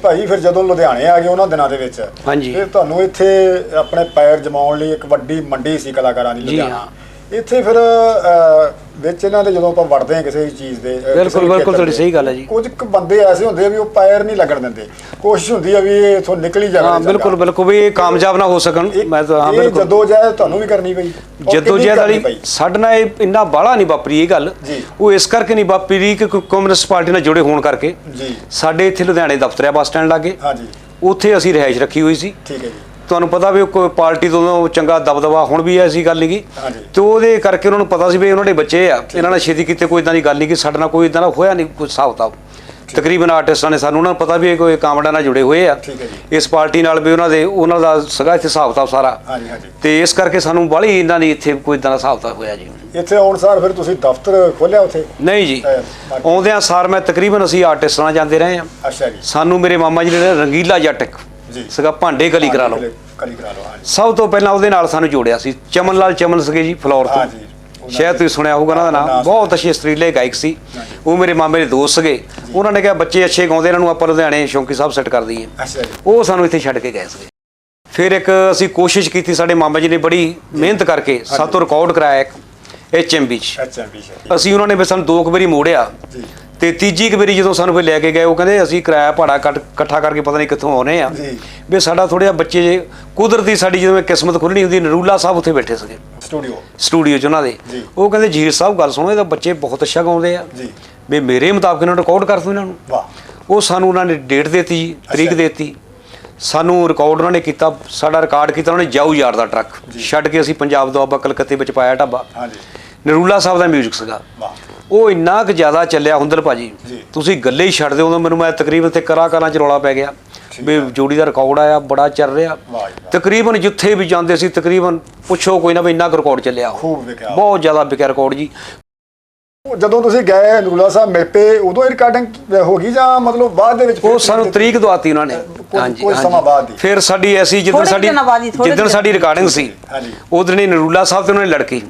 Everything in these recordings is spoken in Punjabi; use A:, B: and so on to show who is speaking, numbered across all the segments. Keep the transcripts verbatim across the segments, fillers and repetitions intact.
A: ਭਾਈ ਫਿਰ ਜਦੋਂ ਲੁਧਿਆਣੇ ਆ ਗਏ ਉਹਨਾਂ ਦਿਨਾਂ ਦੇ ਵਿੱਚ
B: ਹਾਂਜੀ
A: ਫਿਰ ਤੁਹਾਨੂੰ ਇੱਥੇ ਆਪਣੇ ਪੈਰ ਜਮਾਉਣ ਲਈ ਇੱਕ ਵੱਡੀ ਮੰਡੀ ਸੀ ਕਲਾਕਾਰਾਂ ਦੀ ਲੁਧਿਆਣਾ ਇੱਥੇ ਫਿਰ ਵਿੱਚ ਇਹਨਾਂ ਦੇ ਜਦੋਂ ਆਪਾਂ ਵੜਦੇ ਹਾਂ ਕਿਸੇ ਚੀਜ਼ ਦੇ
B: ਬਿਲਕੁਲ ਬਿਲਕੁਲ ਤੁਹਾਡੀ ਸਹੀ ਗੱਲ ਹੈ ਜੀ
A: ਕੁਝ ਕੁ ਬੰਦੇ ਐਸੇ ਹੁੰਦੇ ਆ ਵੀ ਉਹ ਪੈਰ ਨਹੀਂ ਲੱਗਣ ਦਿੰਦੇ ਕੋਸ਼ਿਸ਼ ਹੁੰਦੀ ਆ ਵੀ ਇਹ ਇਥੋਂ ਨਿਕਲ ਹੀ ਜਾਵੇ
B: ਹਾਂ ਬਿਲਕੁਲ ਬਿਲਕੁਲ ਵੀ ਇਹ ਕਾਮਯਾਬ ਨਾ ਹੋ ਸਕਣ ਮੈਂ ਤਾਂ ਹਾਂ ਬਿਲਕੁਲ
A: ਜਦੋਂ ਜਹਿਦ ਤੁਹਾਨੂੰ ਵੀ ਕਰਨੀ ਪਈ
B: ਜਦੋਂ ਜਹਿਦ ਵਾਲੀ ਸਾਡੇ ਨਾਲ ਇਹ ਇੰਨਾ ਬਾਹਲਾ ਨਹੀਂ ਵਾਪਰੀ ਇਹ ਗੱਲ ਉਹ ਇਸ ਕਰਕੇ ਨਹੀਂ ਵਾਪਰੀ ਕਿ ਕਮਿਊਨਿਸਟ ਪਾਰਟੀ ਨਾਲ ਜੁੜੇ ਹੋਣ ਕਰਕੇ
A: ਜੀ
B: ਸਾਡੇ ਇੱਥੇ ਲੁਧਿਆਣੇ ਦਫ਼ਤਰ ਆ ਬੱਸ ਸਟੈਂਡ ਲਾਗੇ
A: ਹਾਂਜੀ
B: ਉੱਥੇ ਅਸੀਂ ਰਿਹਾਇਸ਼ ਰੱਖੀ ਹੋਈ ਸੀ
A: ਠੀਕ ਹੈ ਜੀ
B: ਤੁਹਾਨੂੰ ਪਤਾ ਵੀ ਕੋਈ ਪਾਰਟੀ ਤੋਂ ਚੰਗਾ ਦਬਦਬਾ ਹੁਣ ਵੀ ਐਸੀ ਗੱਲ ਨਹੀਂ ਗੀ ਤੇ ਉਹਦੇ ਕਰਕੇ ਉਹਨਾਂ ਨੂੰ ਪਤਾ ਸੀ ਵੀ ਉਹਨਾਂ ਦੇ ਬੱਚੇ ਆ ਇਹਨਾਂ ਨੇ ਛੇਤੀ ਕੀਤੇ ਕੋਈ ਇਦਾਂ ਦੀ ਗੱਲ ਨਹੀਂ ਕਿ ਸਾਡੇ ਨਾਲ ਕੋਈ ਇਦਾਂ ਦਾ ਹੋਇਆ ਨਹੀਂ ਕੋਈ ਹਿਸਾਬ ਕਿਤਾਬ ਤਕਰੀਬਨ ਆਰਟਿਸਟਾਂ ਨੇ ਸਾਨੂੰ ਉਹਨਾਂ ਨੂੰ ਪਤਾ ਵੀ ਇਹ ਕੋਈ ਕਾਮੜਾਂ ਨਾਲ ਜੁੜੇ ਹੋਏ ਆ ਇਸ ਪਾਰਟੀ ਨਾਲ ਵੀ ਉਹਨਾਂ ਦੇ ਉਹਨਾਂ ਦਾ ਸਗਾ ਇੱਥੇ ਹਿਸਾਬ ਕਿਤਾਬ ਸਾਰਾ ਤੇ ਇਸ ਕਰਕੇ ਸਾਨੂੰ ਬਾਹਲੀ ਇਹਨਾਂ ਦੀ ਇੱਥੇ ਕੋਈ ਇਦਾਂ ਦਾ ਹਿਸਾਬ ਕਿਤਾਬ ਹੋਇਆ ਜੀ
A: ਇੱਥੇ ਆਉਣ ਸਾਰ ਫਿਰ ਤੁਸੀਂ ਦਫ਼ਤਰ ਖੋਲਿਆ ਉੱਥੇ
B: ਨਹੀਂ ਜੀ ਆਉਂਦਿਆਂ ਸਾਰ ਮੈਂ ਤਕਰੀਬਨ ਅਸੀਂ ਆਰਟਿਸਟਾਂ ਨਾਲ ਜਾਂਦੇ ਰਹੇ ਆ
A: ਅੱਛਾ ਜੀ
B: ਸਾਨੂੰ ਮੇਰੇ ਮਾਮਾ ਜੀ ਨੇ ਰੰਗੀਲਾ ਜੱਟ ਜੀ ਸਗਾ ਭਾਂਡੇ ਕਲੀ ਕਰਾ ਲਓ ਸਭ ਤੋਂ ਪਹਿਲਾਂ ਉਹਦੇ ਨਾਲ ਸਾਨੂੰ ਜੋੜਿਆ ਸੀ ਚਮਨ ਲਾਲ ਚਮਨ ਸੀਗੇ ਜੀ ਫਲੋਰ ਤੋਂ ਸ਼ਾਇਦ ਤੁਸੀਂ ਸੁਣਿਆ ਹੋਊਗਾ ਉਹਨਾਂ ਦਾ ਨਾਮ ਬਹੁਤ ਅੱਛੇ ਸਟਰੀਲੇ ਗਾਇਕ ਸੀ ਉਹ ਮੇਰੇ ਮਾਮੇ ਦੇ ਦੋਸਤ ਸੀਗੇ ਉਹਨਾਂ ਨੇ ਕਿਹਾ ਬੱਚੇ ਅੱਛੇ ਗਾਉਂਦੇ ਇਹਨਾਂ ਨੂੰ ਆਪਾਂ ਲੁਧਿਆਣੇ ਸ਼ੌਂਕੀ ਸਾਹਿਬ ਸੈੱਟ ਕਰ ਦਈਏ ਉਹ ਸਾਨੂੰ ਇੱਥੇ ਛੱਡ ਕੇ ਗਏ ਸੀਗੇ ਫਿਰ ਇੱਕ ਅਸੀਂ ਕੋਸ਼ਿਸ਼ ਕੀਤੀ ਸਾਡੇ ਮਾਮਾ ਜੀ ਨੇ ਬੜੀ ਮਿਹਨਤ ਕਰਕੇ ਸਾਤੋਂ ਰਿਕਾਰਡ ਕਰਾਇਆ ਇੱਕ ਐਚ ਐਮ ਬੀ 'ਚ ਅਸੀਂ ਉਹਨਾਂ ਨੇ ਵੀ ਸਾਨੂੰ ਦੋ ਕੁ ਵਾਰੀ ਮੋੜਿਆ ਤੇ ਤੀਜੀ ਕੁ ਵਾਰੀ ਜਦੋਂ ਸਾਨੂੰ ਫਿਰ ਲੈ ਕੇ ਗਏ ਉਹ ਕਹਿੰਦੇ ਅਸੀਂ ਕਿਰਾਇਆ ਭਾੜਾ ਇਕੱਠਾ ਕਰਕੇ ਪਤਾ ਨਹੀਂ ਕਿੱਥੋਂ ਆਉਣੇ ਆ ਵੀ ਸਾਡਾ ਥੋੜ੍ਹਾ ਜਿਹਾ ਬੱਚੇ ਜੇ ਕੁਦਰਤੀ ਸਾਡੀ ਜਦੋਂ ਕਿਸਮਤ ਖੁੱਲ੍ਹਣੀ ਹੁੰਦੀ ਨਰੂਲਾ ਸਾਹਿਬ ਉੱਥੇ ਬੈਠੇ ਸੀਗੇ
A: ਸਟੂਡੀਓ
B: ਸਟੂਡੀਓ 'ਚ ਉਹਨਾਂ ਦੇ ਉਹ ਕਹਿੰਦੇ ਜੀਰ ਸਾਹਿਬ ਗੱਲ ਸੁਣੋ ਇਹਦਾ ਬੱਚੇ ਬਹੁਤ ਅੱਛਾ ਗਾਉਂਦੇ ਆ ਵੀ ਮੇਰੇ ਮੁਤਾਬਕ ਇਹਨਾਂ ਨੂੰ ਰਿਕਾਰਡ ਕਰ ਦਿਓ ਇਹਨਾਂ ਨੂੰ ਉਹ ਸਾਨੂੰ ਉਹਨਾਂ ਨੇ ਡੇਟ ਦੇਤੀ ਜੀ ਤਰੀਕ ਦੇਤੀ ਸਾਨੂੰ ਰਿਕਾਰਡ ਉਹਨਾਂ ਨੇ ਕੀਤਾ ਸਾਡਾ ਰਿਕਾਰਡ ਕੀਤਾ ਉਹਨਾਂ ਨੇ ਜਾਊ ਯਾਰ ਦਾ ਟਰੱਕ ਛੱਡ ਕੇ ਅਸੀਂ ਪੰਜਾਬ ਦੁਆਬਾ ਕਲਕੱਤੇ ਵਿੱਚ ਪਾਇਆ ਢਾਬਾ ਨਰੂਲਾ ਸਾਹਿਬ ਦਾ ਮਿਊਜ਼ਿਕ ਸੀਗਾ ਉਹ ਇੰਨਾ ਕੁ ਜ਼ਿਆਦਾ ਚੱਲਿਆ ਹੁੰਦਲ ਭਾਜੀ ਤੁਸੀਂ ਗੱਲੇ ਹੀ ਛੱਡ ਦਿਓ ਉਦੋਂ ਮੈਨੂੰ ਮੈਂ ਤਕਰੀਬਨ ਤੇ ਕਲਾਕਾਰਾਂ 'ਚ ਰੌਲਾ ਪੈ ਗਿਆ ਵੀ ਜੋੜੀ ਦਾ ਰਿਕਾਰਡ ਆਇਆ ਬੜਾ ਚੱਲ ਰਿਹਾ ਤਕਰੀਬਨ ਜਿੱਥੇ ਵੀ ਜਾਂਦੇ ਸੀ ਤਕਰੀਬਨ ਪੁੱਛੋ ਕੋਈ ਨਾ ਵੀ ਇੰਨਾ ਕੁ ਰਿਕਾਰਡ ਚੱਲਿਆ ਬਹੁਤ ਜ਼ਿਆਦਾ ਵਿਕਿਆ ਰਿਕਾਰਡ ਜੀ
A: ਜਦੋਂ ਤੁਸੀਂ ਗਏ ਨਰੂਲਾ ਸਾਹਿਬ ਮਿਲ ਪਏ ਉਦੋਂ ਹੀ ਰਿਕਾਰਡਿੰਗ ਹੋ ਗਈ ਜਾਂ ਮਤਲਬ ਬਾਅਦ ਦੇ ਵਿੱਚ
B: ਉਹ ਸਾਨੂੰ ਤਰੀਕ ਦਵਾਤੀ ਉਹਨਾਂ ਨੇ ਹਾਂਜੀ ਹਾਂਜੀ ਫਿਰ ਸਾਡੀ ਐਸੀ ਜਿੱਦਣ ਸਾਡੀ ਜਿੱਦਣ ਸਾਡੀ ਰਿਕਾਰਡਿੰਗ ਸੀ ਉਦੋਂ ਹੀ ਨਰੂਲਾ ਸਾਹਿਬ ਤੇ ਉਹਨਾਂ ਨੇ ਲੜਕੀ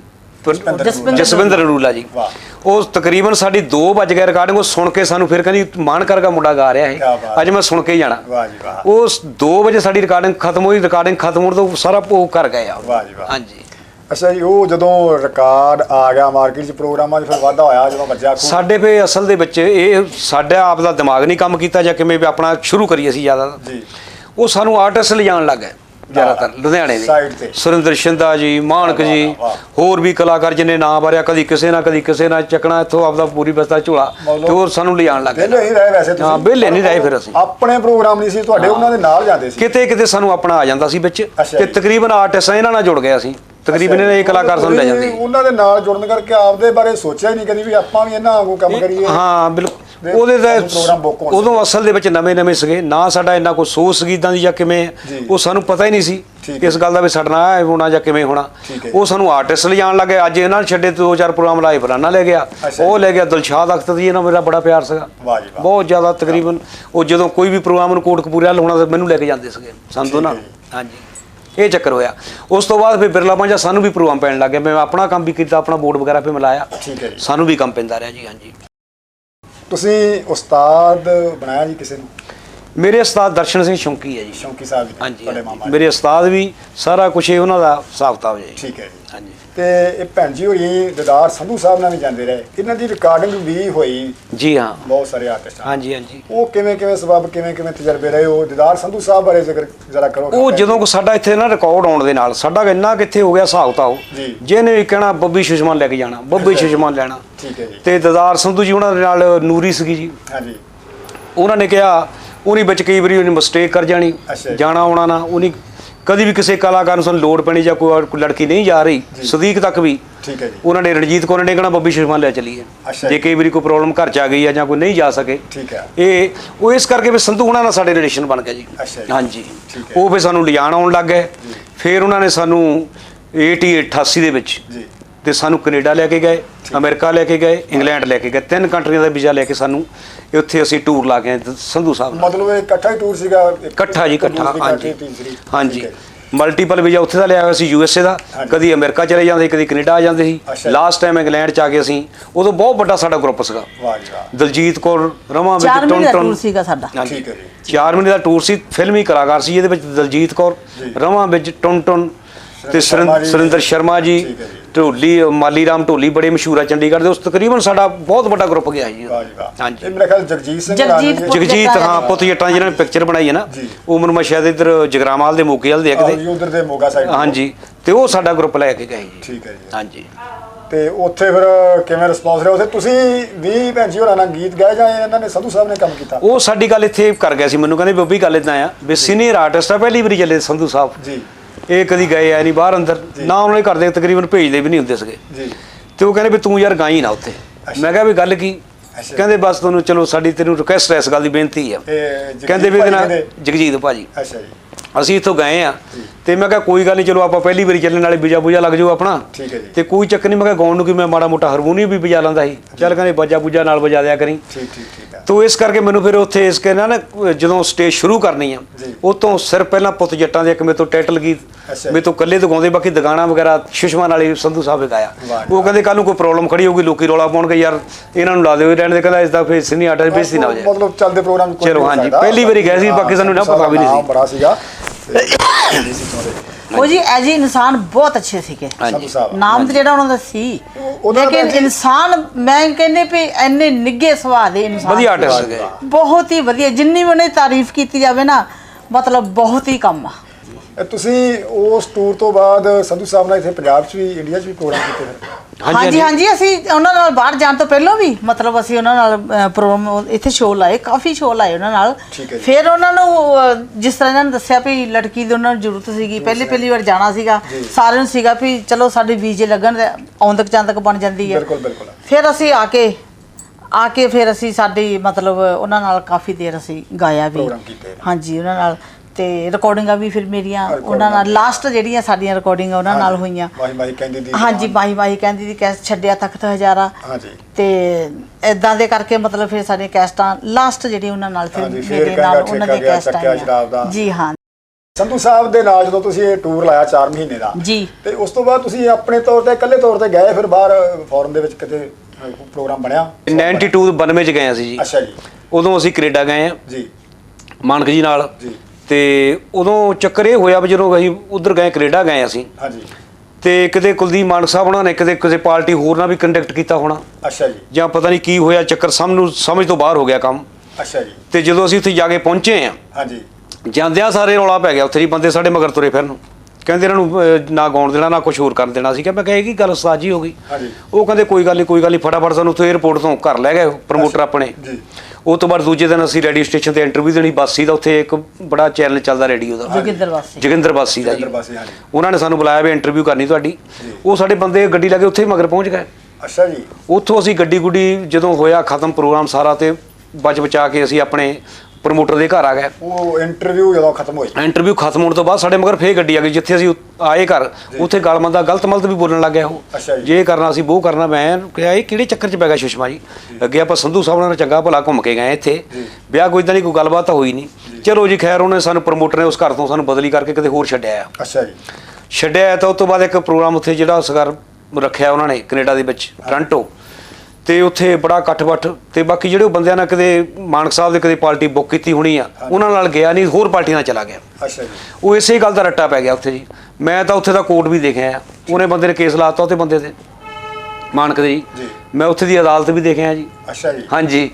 B: ਜਸਵਿੰਦਰ ਨਰੂਲਾ ਜੀ ਉਹ ਤਕਰੀਬਨ ਸਾਡੀ ਦੋ ਵੱਜ ਗਏ ਰਿਕਾਰਡਿੰਗ ਉਹ ਸੁਣ ਕੇ ਸਾਨੂੰ ਫਿਰ ਕਹਿੰਦੀ ਮਾਣ ਕਰਗਾ ਮੁੰਡਾ ਗਾ ਰਿਹਾ ਹੈ ਅੱਜ ਮੈਂ ਸੁਣ ਕੇ ਹੀ ਜਾਣਾ ਉਹ ਦੋ ਵਜੇ ਸਾਡੀ ਰਿਕਾਰਡਿੰਗ ਖਤਮ ਹੋਈ ਰਿਕਾਰਡਿੰਗ ਖਤਮ ਹੋਣ ਤੋਂ ਸਾਰਾ ਭੋਗ ਕਰ ਗਏ ਆ ਹਾਂਜੀ
A: ਅੱਛਾ ਜੀ ਉਹ ਜਦੋਂ ਰਿਕਾਰਡ ਆ ਗਿਆ ਮਾਰਕੀਟ 'ਚ ਪ੍ਰੋਗਰਾਮਾਂ 'ਚ ਫਿਰ ਵਾਧਾ ਹੋਇਆ ਜਦੋਂ ਵੱਜਿਆ
B: ਸਾਡੇ ਫੇ ਅਸਲ ਦੇ ਵਿੱਚ ਇਹ ਸਾਡਾ ਆਪ ਦਾ ਦਿਮਾਗ ਨਹੀਂ ਕੰਮ ਕੀਤਾ ਜਾਂ ਕਿਵੇਂ ਵੀ ਆਪਣਾ ਸ਼ੁਰੂ ਕਰੀਏ ਅਸੀਂ ਜ਼ਿਆਦਾ ਉਹ ਸਾਨੂੰ ਆਰਟਿਸਟ ਲਿਜਾਣ ਲੱਗ ਗਏ ਜ਼ਿਆਦਾਤਰ ਲੁਧਿਆਣੇ ਦੇ ਸੁਰਿੰਦਰ ਸ਼ਿੰਦਾ ਜੀ ਮਾਨਕ ਜੀ ਹੋਰ ਵੀ ਕਲਾਕਾਰ ਜਿਹਨੇ ਨਾਂ ਬਾਰਿਆ ਕਦੀ ਕਿਸੇ ਨਾ ਕਦੀ ਕਿਸੇ ਨਾਲ ਚੱਕਣਾ ਇੱਥੋਂ ਆਪਦਾ ਪੂਰੀ ਬਸਤਾ ਝੋਲਾ ਤੇ ਹੋਰ ਸਾਨੂੰ ਲਿਜਾਣ ਲੱਗ ਗਏ ਹਾਂ ਵਿਹਲੇ ਨਹੀਂ ਰਹੇ ਫਿਰ ਅਸੀਂ
A: ਆਪਣੇ ਪ੍ਰੋਗਰਾਮ ਨਹੀਂ ਸੀ ਤੁਹਾਡੇ ਉਹਨਾਂ ਦੇ ਨਾਲ ਜਾਂਦੇ ਸੀ
B: ਕਿਤੇ ਕਿਤੇ ਸਾਨੂੰ ਆਪਣਾ ਆ ਜਾਂਦਾ ਸੀ ਵਿੱਚ ਤੇ ਤਕਰੀਬਨ ਆਰਟਿਸਟ ਇਹਨਾਂ ਨਾਲ ਜੁੜ ਗਏ ਅਸੀਂ ਤਕਰੀਬਨ ਇਹ ਕਲਾਕਾਰ ਸਾਨੂੰ ਲੈ ਜਾਂਦੇ
A: ਉਹਨਾਂ ਦੇ ਨਾਲ ਜੁੜਨ ਕਰਕੇ ਆਪਦੇ ਬਾਰੇ ਸੋਚਿਆ ਹੀ ਨਹੀਂ ਕਦੀ ਵੀ ਆਪਾਂ ਵੀ ਇਹਨਾਂ ਵਾਂਗੂ ਕੰਮ ਕਰੀਏ
B: ਹਾਂ ਬਿਲਕੁਲ ਉਹਦੇ ਦਾ ਉਦੋਂ ਅਸਲ ਦੇ ਵਿੱਚ ਨਵੇਂ ਨਵੇਂ ਸੀਗੇ ਨਾ ਸਾਡਾ ਇੰਨਾ ਕੋਈ ਸੋਚ ਸੀਗੀ ਇੱਦਾਂ ਦੀ ਜਾਂ ਕਿਵੇਂ ਉਹ ਸਾਨੂੰ ਪਤਾ ਹੀ ਨਹੀਂ ਸੀ ਇਸ ਗੱਲ ਦਾ ਵੀ ਸਾਡਾ ਨਾ ਹੋਣਾ ਜਾਂ ਕਿਵੇਂ ਹੋਣਾ ਉਹ ਸਾਨੂੰ ਆਰਟਿਸਟ ਲਿਜਾਣ ਲੱਗੇ ਅੱਜ ਇਹਨਾਂ ਨੇ ਛੱਡੇ ਦੋ ਚਾਰ ਪ੍ਰੋਗਰਾਮ ਲਾਏ ਫਲਾਨਾ ਲੈ ਗਿਆ ਉਹ ਲੈ ਗਿਆ ਦਿਲਸ਼ਾਦ ਅਖਤਰ ਜੀ ਇਹਨਾਂ ਮੇਰਾ ਬੜਾ ਪਿਆਰ ਸੀਗਾ ਬਹੁਤ ਜ਼ਿਆਦਾ ਤਕਰੀਬਨ ਉਹ ਜਦੋਂ ਕੋਈ ਵੀ ਪ੍ਰੋਗਰਾਮ ਨੂੰ ਕੋਟਕਪੂਰੇ ਵੱਲ ਹੋਣਾ ਮੈਨੂੰ ਲੈ ਕੇ ਜਾਂਦੇ ਸੀਗੇ ਸਾਨੂੰ ਨਾ ਹਾਂਜੀ ਇਹ ਚੱਕਰ ਹੋਇਆ ਉਸ ਤੋਂ ਬਾਅਦ ਫਿਰ ਬਿਰਲਾ ਮਾਂਜਾ ਸਾਨੂੰ ਵੀ ਪ੍ਰੋਗਰਾਮ ਪੈਣ ਲੱਗ ਗਿਆ ਮੈਂ ਆਪਣਾ ਕੰਮ ਵੀ ਕੀਤਾ ਆਪਣਾ ਬੋਰਡ ਵਗੈਰਾ ਫਿਰ ਮਿਲਾਇਆ ਸਾਨੂੰ ਵੀ ਕੰਮ ਪੈਂਦਾ ਰਿਹਾ ਜੀ ਹਾਂਜੀ
A: ਤੁਸੀਂ ਉਸਤਾਦ ਬਣਾਇਆ ਜੀ ਕਿਸੇ ਨੂੰ
B: ਮੇਰੇ ਉਸਤਾਦ ਦਰਸ਼ਨ ਸਿੰਘ ਸ਼ੌਂਕੀ ਹੈ ਜੀ
A: ਸ਼ੌਂਕੀ ਸਾਹਿਬ
B: ਹਾਂਜੀ ਮੇਰੇ ਉਸਤਾਦ ਵੀ ਸਾਰਾ ਕੁਛ ਇਹ ਉਹਨਾਂ ਦਾ ਹਿਸਾਬ ਕਿਤਾਬ ਜੀ
A: ਠੀਕ ਹੈ ਜੀ
B: ਹਾਂਜੀ
A: ਤੇ ਇਹ ਭੈਣ ਜੀ ਹੋਈ ਦਿਦਾਰ ਸੰਧੂ ਸਾਹਿਬ ਨਾਲ ਵੀ ਜਾਂਦੇ ਰਹੇ ਇਹਨਾਂ ਦੀ ਰਿਕਾਰਡਿੰਗ ਵੀ ਹੋਈ
B: ਜੀ ਹਾਂ
A: ਬਹੁਤ ਸਾਰੇ ਆਰਟਿਸਟ
B: ਹਾਂਜੀ ਹਾਂਜੀ
A: ਉਹ ਕਿਵੇਂ ਕਿਵੇਂ ਸਬਬ ਕਿਵੇਂ ਕਿਵੇਂ ਤਜਰਬੇ ਰਹੇ ਉਹ ਦਿਦਾਰ ਸੰਧੂ ਸਾਹਿਬ ਬਾਰੇ ਜ਼ਿਕਰ ਜ਼ਰਾ ਕਰੋ
B: ਉਹ ਜਦੋਂ ਕੋ ਸਾਡਾ ਇੱਥੇ ਨਾ ਰਿਕਾਰਡ ਆਉਣ ਦੇ ਨਾਲ ਸਾਡਾ ਇੰਨਾ ਕਿੱਥੇ ਹੋ ਗਿਆ ਹਿਸਾਬ ਕਿਤਾਬ ਜਿਹਨੇ ਵੀ ਕਹਿਣਾ ਬੱਬੀ ਸੁਸ਼ਮਨ ਲੈ ਕੇ ਜਾਣਾ ਬੱਬੀ ਸੁਸ਼ਮਨ ਲੈਣਾ
A: ਠੀਕ ਹੈ ਜੀ ਤੇ
B: ਦਿਦਾਰ ਸੰਧੂ ਜੀ ਉਹਨਾਂ ਦੇ ਨਾਲ ਨੂਰੀ ਸੀਗੀ ਜੀ
A: ਹਾਂਜੀ
B: ਉਹਨਾਂ ਨੇ ਕਿਹਾ ਉਹਨੇ ਵਿੱਚ ਕਈ ਵਾਰੀ ਉਹਨੇ ਮਿਸਟੇਕ ਕਰ ਜਾਣੀ ਜਾਣਾ ਆਉਣਾ ਨਾ ਉਹਨੇ ਕਦੀ ਵੀ ਕਿਸੇ ਕਲਾਕਾਰ ਨੂੰ ਸਾਨੂੰ ਲੋੜ ਪੈਣੀ ਜਾਂ ਕੋਈ ਲੜਕੀ ਨਹੀਂ ਜਾ ਰਹੀ ਸਦੀਕ ਤੱਕ ਵੀ
A: ਠੀਕ ਹੈ ਜੀ
B: ਉਹਨਾਂ ਨੇ ਰਣਜੀਤ ਕੌਰ ਨੇ ਕਹਿਣਾ ਬੱਬੀ ਸੁਸ਼ਮਨ ਲੈ ਚੱਲੀਏ ਜੇ ਕਈ ਵਾਰੀ ਕੋਈ ਪ੍ਰੋਬਲਮ ਘਰ 'ਚ ਆ ਗਈ ਹੈ ਜਾਂ ਕੋਈ ਨਹੀਂ ਜਾ ਸਕੇ
A: ਠੀਕ ਹੈ
B: ਇਹ ਉਹ ਇਸ ਕਰਕੇ ਵੀ ਸੰਧੂ ਉਹਨਾਂ ਨਾਲ ਸਾਡੇ ਰਿਲੇਸ਼ਨ ਬਣ ਗਿਆ ਜੀ ਹਾਂਜੀ ਉਹ ਫਿਰ ਸਾਨੂੰ ਲਿਜਾਣ ਆਉਣ ਲੱਗ ਗਏ ਫਿਰ ਉਹਨਾਂ ਨੇ ਸਾਨੂੰ ਅਠਾਸੀ ਅਠਾਸੀ ਦੇ ਵਿੱਚ ਤੇ ਸਾਨੂੰ ਕੈਨੇਡਾ ਲੈ ਕੇ ਗਏ ਅਮਰੀਕਾ ਲੈ ਕੇ ਗਏ ਇੰਗਲੈਂਡ ਲੈ ਕੇ ਗਏ ਤਿੰਨ ਕੰਟਰੀਆਂ ਦਾ ਵੀਜ਼ਾ ਲੈ ਕੇ ਸਾਨੂੰ ਉੱਥੇ ਅਸੀਂ ਟੂਰ ਲਾ ਕੇ ਸੰਧੂ ਸਾਹਿਬ
A: ਮਤਲਬ ਇਹ ਇਕੱਠਾ ਹੀ ਟੂਰ ਸੀਗਾ
B: ਇਕੱਠਾ ਜੀ ਇਕੱਠਾ ਹਾਂਜੀ ਹਾਂਜੀ ਮਲਟੀਪਲ ਵੀਜ਼ਾ ਉੱਥੇ ਦਾ ਲਿਆ ਹੋਇਆ ਸੀ ਯੂ ਐਸ ਏ ਦਾ, ਕਦੀ ਅਮਰੀਕਾ ਚਲੇ ਜਾਂਦੇ, ਕਦੀ ਕੈਨੇਡਾ ਆ ਜਾਂਦੇ ਸੀ। ਲਾਸਟ ਟਾਈਮ ਇੰਗਲੈਂਡ ਚ ਆ ਕੇ ਅਸੀਂ, ਉਦੋਂ ਬਹੁਤ ਵੱਡਾ ਸਾਡਾ ਗਰੁੱਪ ਸੀਗਾ। ਦਲਜੀਤ ਕੌਰ ਰਵਾਂ ਵਿੱਚ ਟੁੰਨ ਟੁੰਨ ਸੀਗਾ ਸਾਡਾ, ਚਾਰ ਮਹੀਨੇ ਦਾ ਟੂਰ ਸੀ। ਫਿਲਮੀ ਕਲਾਕਾਰ ਸੀ ਇਹਦੇ ਵਿੱਚ ਦਲਜੀਤ ਕੌਰ ਰਵਾਂ ਵਿੱਚ ਟੁੰਨ ਟੁੰਨ ਤੇ ਸੁਰਿੰਦਰ ਸ਼ਰਮਾ ਜੀ, ਢੋਲੀ ਮਾਲੀ ਰਾਮ ਢੋਲੀ ਬੜੇ ਮਸ਼ਹੂਰ ਆ ਚੰਡੀਗੜ੍ਹ ਦੇ। ਉਸ ਤਕਰੀਬਨ ਸਾਡਾ ਬਹੁਤ ਵੱਡਾ ਗਰੁੱਪ ਗਿਆ ਜੀ।
A: ਹਾਂਜੀ ਮੇਰੇ ਖਿਆਲ ਜਗਜੀਤ ਸਿੰਘ
B: ਜਗਜੀਤ ਹਾਂ ਪੁੱਤ ਜੱਟਾਂ ਜਿਹਨਾਂ ਨੇ ਪਿਕਚਰ ਬਣਾਈ ਹੈ ਨਾ, ਉਹ ਮੈਨੂੰ ਮੈਂ ਸ਼ਾਇਦ ਇੱਧਰ ਜਗਰਾਮਾਲ ਦੇ ਮੋਗੇ ਵਾਲ ਦੇਖਦੇ
A: ਉਧਰ ਦੇ ਮੋਗਾ ਸਾਈਡ।
B: ਹਾਂਜੀ, ਤੇ ਉਹ ਸਾਡਾ ਗਰੁੱਪ ਲੈ ਕੇ ਗਏ ਜੀ।
A: ਠੀਕ ਹੈ ਜੀ।
B: ਹਾਂਜੀ,
A: ਤੇ ਉੱਥੇ ਫਿਰ ਕਿਵੇਂ ਰਿਸਪੌਂਸ ਰਿਹਾ ਉੱਥੇ? ਤੁਸੀਂ ਵੀ ਭੈਣ ਜੀ ਹੋਰਾਂ ਨਾਲ ਗੀਤ ਗਾਏ ਜਾਂ ਇਹਨਾਂ ਨੇ ਸੰਧੂ ਸਾਹਿਬ ਨੇ ਕੰਮ ਕੀਤਾ?
B: ਉਹ ਸਾਡੀ ਗੱਲ ਇੱਥੇ ਕਰ ਗਿਆ ਸੀ, ਮੈਨੂੰ ਕਹਿੰਦੇ ਬੱਬੀ ਗੱਲ ਇਦਾਂ ਆ ਵੀ ਸੀਨੀਅਰ ਆਰਟਿਸਟ ਆ, ਪਹਿਲੀ ਵਾਰੀ ਚੱਲੇ ਸੰਧੂ ਸਾਹਿਬ ਜੀ, ਇਹ ਕਦੀ ਗਏ ਆ ਨਹੀਂ ਬਾਹਰ ਅੰਦਰ ਨਾ, ਉਹਨਾਂ ਨੇ ਕਰਦੇ ਤਕਰੀਬਨ ਭੇਜਦੇ ਵੀ ਨਹੀਂ ਹੁੰਦੇ ਸੀਗੇ ਜੀ। ਤੇ ਉਹ ਕਹਿੰਦੇ ਵੀ ਤੂੰ ਯਾਰ ਗਾਈ ਨਾ ਉੱਥੇ। ਮੈਂ ਕਿਹਾ ਵੀ ਗੱਲ ਕੀ? ਕਹਿੰਦੇ ਬਸ ਤੁਹਾਨੂੰ ਚਲੋ ਸਾਡੀ ਤੈਨੂੰ ਰਿਕੁਐਸਟ ਹੈ, ਇਸ ਗੱਲ ਦੀ ਬੇਨਤੀ ਆ। ਕਹਿੰਦੇ ਵੀ ਇਹਦੇ ਨਾਲ ਜਗਜੀਤ ਭਾਜੀ ਅਸੀਂ ਇੱਥੋਂ ਗਏ ਆ, ਤੇ ਮੈਂ ਕਿਹਾ ਕੋਈ ਗੱਲ ਨਹੀਂ, ਚਲੋ ਆਪਾਂ ਪਹਿਲੀ ਵਾਰੀ ਚੱਲਣ ਵਾਲੇ ਵੀਜ਼ਾ ਬੂਜਾ ਲੱਗ ਜਾਊ ਆਪਣਾ, ਤੇ ਕੋਈ ਚੱਕਰ ਨਹੀਂ। ਮੈਂ ਕਿਹਾ ਗਾਉਣ ਨੂੰ ਕਿ ਮੈਂ ਮਾੜਾ ਮੋਟਾ ਹਾਰਮੋਨੀਅਮ ਵੀ ਵਜਾ ਲੈਂਦਾ ਸੀ, ਚੱਲ ਕਹਿੰਦੇ ਬਾਜਾ ਬੂਜਾ ਨਾਲ ਵਜਾ ਦਿਆ ਕਰੀ। ਤੋ ਇਸ ਕਰਕੇ ਮੈਨੂੰ ਫਿਰ ਉੱਥੇ ਇਸ ਕਹਿੰਦਾ ਨਾ ਜਦੋਂ ਸਟੇਜ ਸ਼ੁਰੂ ਕਰਨੀ ਆ, ਉਹ ਤੋਂ ਸਿਰ ਪਹਿਲਾਂ ਪੁੱਤ ਜੱਟਾਂ ਦੇ ਇੱਕ ਮੇਰੇ ਤੋਂ ਟਾਈਟਲ ਗੀਤ ਮੇਰੇ ਤੋਂ ਇਕੱਲੇ ਤੋਂ ਗਾਉਂਦੇ, ਬਾਕੀ ਦਗਾਣਾ ਵਗੈਰਾ ਸੁਸ਼ਮਾ ਨਾਲ ਹੀ ਸੰਧੂ ਸਾਹਿਬ ਨੇ ਗਾਇਆ। ਉਹ ਕਹਿੰਦੇ ਕੱਲ ਨੂੰ ਕੋਈ ਪ੍ਰੋਬਲਮ ਖੜੀ ਹੋਊਗੀ, ਲੋਕੀ ਰੌਲਾ ਪਾਉਣਗੇ ਯਾਰ ਇਹਨਾਂ ਨੂੰ ਲਾ ਦਿਓ ਰਹਿਣ ਦੇ, ਕਹਿੰਦਾ ਇਸ ਦਾ ਫਿਰ ਸੀਨੀਅਰ ਆਰਟਿਸਟ ਬੇਇੱਜ਼ਤੀ ਨਾ ਹੋ ਜਾਏ।
A: ਮਤਲਬ ਚੱਲਦੇ ਪ੍ਰੋਗਰਾਮ
B: ਚਲੋ ਹਾਂਜੀ, ਪਹਿਲੀ ਵਾਰੀ ਗਏ ਸੀ, ਬਾਕੀ ਸਾਨੂੰ ਨਾ ਪਤਾ ਵੀ ਨਹੀਂ ਸੀ।
A: ਬੜਾ ਸੀਗਾ
C: ਉਹ ਜੀ ਐਜ ਇਨਸਾਨ ਬਹੁਤ ਅੱਛੇ ਸੀਗੇ। ਨਾਮ ਤੇ ਜਿਹੜਾ ਉਹਨਾਂ ਦਾ ਸੀ, ਲੇਕਿਨ ਇਨਸਾਨ ਮੈਂ ਕਹਿੰਦੇ ਵੀ ਇੰਨੇ ਨਿੱਘੇ ਸੁਭਾਅ ਦੇ ਇਨਸਾਨ,
B: ਵਧੀਆ ਆਰਟਿਸਟ ਸੀਗੇ,
C: ਬਹੁਤ ਹੀ ਵਧੀਆ। ਜਿੰਨੀ ਵੀ ਉਹਨੇ ਤਾਰੀਫ ਕੀਤੀ ਜਾਵੇ ਨਾ, ਮਤਲਬ ਬਹੁਤ ਹੀ ਕੰਮ ਆ।
A: ਤੁਸੀਂ ਉਸ ਟੂਰ ਤੋਂ ਬਾਅਦ ਸੰਧੂ ਸਾਹਿਬ ਨਾਲ ਇੱਥੇ ਪੰਜਾਬ 'ਚ ਵੀ ਇੰਡੀਆ 'ਚ ਵੀ ਪ੍ਰੋਗਰਾਮ ਕੀਤੇ ਫਿਰ?
C: ਹਾਂਜੀ ਹਾਂਜੀ, ਅਸੀਂ ਉਹਨਾਂ ਨਾਲ ਬਾਹਰ ਜਾਣ ਤੋਂ ਪਹਿਲਾਂ ਵੀ ਮਤਲਬ ਅਸੀਂ ਉਹਨਾਂ ਨਾਲ ਪ੍ਰੋਗਰਾਮ ਇੱਥੇ ਸ਼ੋਅ ਲਾਏ, ਕਾਫੀ ਸ਼ੋਅ ਲਾਏ ਉਹਨਾਂ ਨਾਲ। ਫਿਰ ਉਹਨਾਂ ਨੂੰ ਜਿਸ ਤਰ੍ਹਾਂ ਇਹਨਾਂ ਨੇ ਦੱਸਿਆ ਵੀ ਲੜਕੀ ਦੀ ਉਹਨਾਂ ਨੂੰ ਜ਼ਰੂਰਤ ਸੀਗੀ, ਪਹਿਲੀ ਪਹਿਲੀ ਵਾਰ ਜਾਣਾ ਸੀਗਾ, ਸਾਰਿਆਂ ਨੂੰ ਸੀਗਾ ਵੀ ਚਲੋ ਸਾਡੇ ਵੀਜ਼ੇ ਲੱਗਣ, ਆਉਂਦਕ ਜਾਂਦਕ ਬਣ ਜਾਂਦੀ ਹੈ। ਫਿਰ ਅਸੀਂ ਆ ਕੇ ਆ ਕੇ ਫਿਰ ਅਸੀਂ ਸਾਡੀ ਮਤਲਬ ਉਹਨਾਂ ਨਾਲ ਕਾਫੀ ਦੇਰ ਅਸੀਂ ਗਾਇਆ ਵੀ। ਹਾਂਜੀ, ਉਹਨਾਂ ਨਾਲ ਤੇ ਰਿਕਾਰਡਿੰਗਾਂ ਵੀ ਫਿਰ ਮੇਰੀਆਂ ਉਹਨਾਂ ਨਾਲ ਲਾਸਟ ਜਿਹੜੀਆਂ ਸਾਡੀਆਂ ਰਿਕਾਰਡਿੰਗਾਂ ਉਹਨਾਂ ਨਾਲ ਹੋਈਆਂ। ਹਾਂਜੀ, ਮਾਹੀ ਮਾਹੀ ਕਹਿੰਦੀ ਦੀ ਕੈਸਟ ਛੱਡਿਆ ਤਖਤ ਹਜ਼ਾਰਾ, ਤੇ ਇਦਾਂ ਦੇ ਕਰਕੇ ਮਤਲਬ ਫਿਰ ਸਾਡੀਆਂ ਕੈਸਟਾਂ ਲਾਸਟ ਜਿਹੜੀ ਉਹਨਾਂ ਨਾਲ ਫਿਰ ਮੇਰੇ ਨਾਲ ਉਹਨਾਂ ਦੀ ਕੈਸਟ ਆਈਆਂ ਜੀ। ਹਾਂ,
A: ਸੰਧੂ ਸਾਹਿਬ ਦੇ ਨਾਲ ਜਦੋਂ ਤੁਸੀਂ ਇਹ ਟੂਰ ਲਾਇਆ ਚਾਰ ਮਹੀਨੇ ਦਾ
C: ਜੀ,
A: ਤੇ ਉਸ ਤੋਂ ਬਾਅਦ ਤੁਸੀਂ ਆਪਣੇ ਤੌਰ ਤੇ ਇਕੱਲੇ ਤੌਰ ਤੇ ਗਏ ਫਿਰ ਬਾਹਰ ਫੋਰਨ ਦੇ ਵਿੱਚ ਕਿਤੇ ਪ੍ਰੋਗਰਾਮ ਬਣਿਆ?
B: ਬਾਨਵੇਂ ਬਾਨਵੇਂ ਚ ਗਏ ਅਸੀਂ ਜੀ।
A: ਅੱਛਾ ਜੀ।
B: ਉਦੋਂ ਅਸੀਂ ਕੈਨੇਡਾ ਗਏ ਆ
A: ਜੀ,
B: ਮਾਨਕ ਜੀ ਨਾਲ। ਤੇ ਉਦੋਂ ਚੱਕਰ ਇਹ ਹੋਇਆ ਵੀ ਜਦੋਂ ਅਸੀਂ ਉਧਰ ਗਏ ਕੈਨੇਡਾ ਗਏ ਅਸੀਂ, ਹਾਂਜੀ, ਤੇ ਕਿਤੇ ਕੁਲਦੀਪ ਮਾਨਕ ਸਾਹਿਬ ਉਹਨਾਂ ਨੇ ਕਿਤੇ ਕਿਸੇ ਪਾਰਟੀ ਹੋਰ ਨਾਲ ਵੀ ਕੰਡਕਟ ਕੀਤਾ ਹੋਣਾ।
A: ਅੱਛਾ ਜੀ।
B: ਜਾਂ ਪਤਾ ਨਹੀਂ ਕੀ ਹੋਇਆ, ਚੱਕਰ ਸਮਝ ਨੂੰ ਸਮਝ ਤੋਂ ਬਾਹਰ ਹੋ ਗਿਆ ਕੰਮ।
A: ਅੱਛਾ ਜੀ। ਤੇ
B: ਜਦੋਂ ਅਸੀਂ ਉੱਥੇ ਜਾ ਕੇ ਪਹੁੰਚੇ ਆ, ਹਾਂਜੀ, ਜਾਂਦਿਆਂ ਸਾਰੇ ਰੌਲਾ ਪੈ ਗਿਆ ਉੱਥੇ ਜੀ, ਬੰਦੇ ਸਾਡੇ ਮਗਰ ਤੁਰੇ ਫਿਰਨ, ਕਹਿੰਦੇ ਇਹਨਾਂ ਨੂੰ ਨਾ ਗਾਉਣ ਦੇਣਾ ਨਾ ਕੁਝ ਹੋਰ ਕਰਨ ਦੇਣਾ ਸੀ। ਮੈਂ ਕਿਹਾ ਇਹ ਕੀ ਗੱਲ ਸਾਜੀ ਹੋ ਗਈ? ਉਹ ਕਹਿੰਦੇ ਕੋਈ ਗੱਲ ਨਹੀਂ ਕੋਈ ਗੱਲ ਨਹੀਂ, ਫਟਾਫਟ ਸਾਨੂੰ ਉੱਥੇ ਏਅਰਪੋਰਟ ਤੋਂ ਘਰ ਲੈ ਗਏ ਪ੍ਰਮੋਟਰ ਆਪਣੇ। ਉਹ ਤੋਂ ਬਾਅਦ ਦੂਜੇ ਦਿਨ ਅਸੀਂ ਰੇਡੀਓ ਸਟੇਸ਼ਨ ਤੇ ਇੰਟਰਵਿਊ ਦੇਣੀ, ਬਾਸੀ ਦਾ ਉੱਥੇ ਇੱਕ ਬੜਾ ਚੈਨਲ ਚੱਲਦਾ ਰੇਡੀਓ ਦਾ, ਜੋਗਿੰਦਰ ਬਾਸੀ ਜੋਗਿੰਦਰ ਬਾਸੀ ਦਾ ਜੀ। ਉਹਨਾਂ ਨੇ ਸਾਨੂੰ ਬੁਲਾਇਆ ਵੀ ਇੰਟਰਵਿਊ ਕਰਨੀ ਤੁਹਾਡੀ। ਉਹ ਸਾਡੇ ਬੰਦੇ ਗੱਡੀ ਲੈ ਕੇ ਉੱਥੇ ਮਗਰ ਪਹੁੰਚ ਗਏ। ਅੱਛਾ ਜੀ। ਉੱਥੋਂ ਅਸੀਂ ਗੱਡੀ ਗੁੱਡੀ ਜਦੋਂ ਹੋਇਆ ਖਤਮ ਪ੍ਰੋਗਰਾਮ ਸਾਰਾ, ਤੇ ਬਚ ਬਚਾ ਕੇ ਅਸੀਂ ਆਪਣੇ ਪ੍ਰਮੋਟਰ ਦੇ ਘਰ ਆ ਗਏ। ਉਹ ਇੰਟਰਵਿਊ ਜਦੋਂ ਖਤਮ ਹੋਇਆ, ਇੰਟਰਵਿਊ ਖਤਮ ਹੋਣ ਤੋਂ ਬਾਅਦ ਸਾਡੇ ਮਗਰ ਫੇਰ ਗੱਡੀ ਆ ਗਈ। ਜਿੱਥੇ ਅਸੀਂ ਆਏ ਘਰ ਉੱਥੇ ਗਲਮੰਦਾ ਗਲਤ ਮਲਤ ਵੀ ਬੋਲਣ ਲੱਗ ਗਿਆ ਉਹ, ਜੇ ਕਰਨਾ ਸੀ ਉਹ ਕਰਨਾ। ਮੈਂ ਕਿਹਾ ਇਹ ਕਿਹੜੇ ਚੱਕਰ 'ਚ ਪੈ ਗਿਆ ਸੁਸ਼ਮਾ ਜੀ? ਅੱਗੇ ਆਪਾਂ ਸੰਧੂ ਸਾਹਿਬ ਨਾਲ ਚੰਗਾ ਭਲਾ ਘੁੰਮ ਕੇ ਗਏ ਇੱਥੇ, ਵਿਆਹ ਕੋਈ ਤਾਂ ਨਹੀਂ, ਕੋਈ ਗੱਲਬਾਤ ਤਾਂ ਹੋਈ ਨਹੀਂ। ਚਲੋ ਜੀ ਖੈਰ, ਉਹਨੇ ਸਾਨੂੰ ਪ੍ਰਮੋਟਰ ਨੇ ਉਸ ਘਰ ਤੋਂ ਸਾਨੂੰ ਬਦਲੀ ਕਰਕੇ ਕਿਤੇ ਹੋਰ ਛੱਡਿਆ ਆ। ਅੱਛਾ ਜੀ। ਛੱਡਿਆ ਤਾਂ ਉਸ ਤੋਂ ਬਾਅਦ ਇੱਕ ਪ੍ਰੋਗਰਾਮ ਉੱਥੇ ਜਿਹੜਾ ਸਗਰ ਰੱਖਿਆ ਉਹਨਾਂ ਨੇ ਕੈਨੇਡਾ ਦੇ ਵਿੱਚ ਟੋਰਾਂਟੋ, ਤੇ ਉੱਥੇ ਬੜਾ ਇਕੱਠ ਬੱਠ। ਤੇ ਬਾਕੀ ਜਿਹੜੇ ਬੰਦਿਆਂ ਨਾਲ ਕਿਤੇ ਮਾਨਕ ਸਾਹਿਬ ਦੇ ਕਦੇ ਪਾਰਟੀ ਬੁੱਕ ਕੀਤੀ ਹੋਣੀ ਆ, ਉਹਨਾਂ ਨਾਲ ਗਿਆ ਨਹੀਂ, ਹੋਰ ਪਾਰਟੀ ਨਾਲ ਚਲਾ ਗਿਆ। ਅੱਛਾ ਜੀ। ਉਹ ਇਸੇ ਗੱਲ ਦਾ ਰੱਟਾ ਪੈ ਗਿਆ ਉੱਥੇ ਜੀ। ਮੈਂ ਤਾਂ ਉੱਥੇ ਦਾ ਕੋਰਟ ਵੀ ਦੇਖਿਆ, ਉਹਨੇ ਬੰਦੇ ਨੇ ਕੇਸ ਲਾਤਾ ਉਹਤੇ ਬੰਦੇ ਤੇ ਮਾਨਕ ਦੇ ਜੀ। ਮੈਂ ਉੱਥੇ ਦੀ ਅਦਾਲਤ ਵੀ ਦੇਖਿਆ ਜੀ। ਅੱਛਾ ਜੀ। ਹਾਂਜੀ।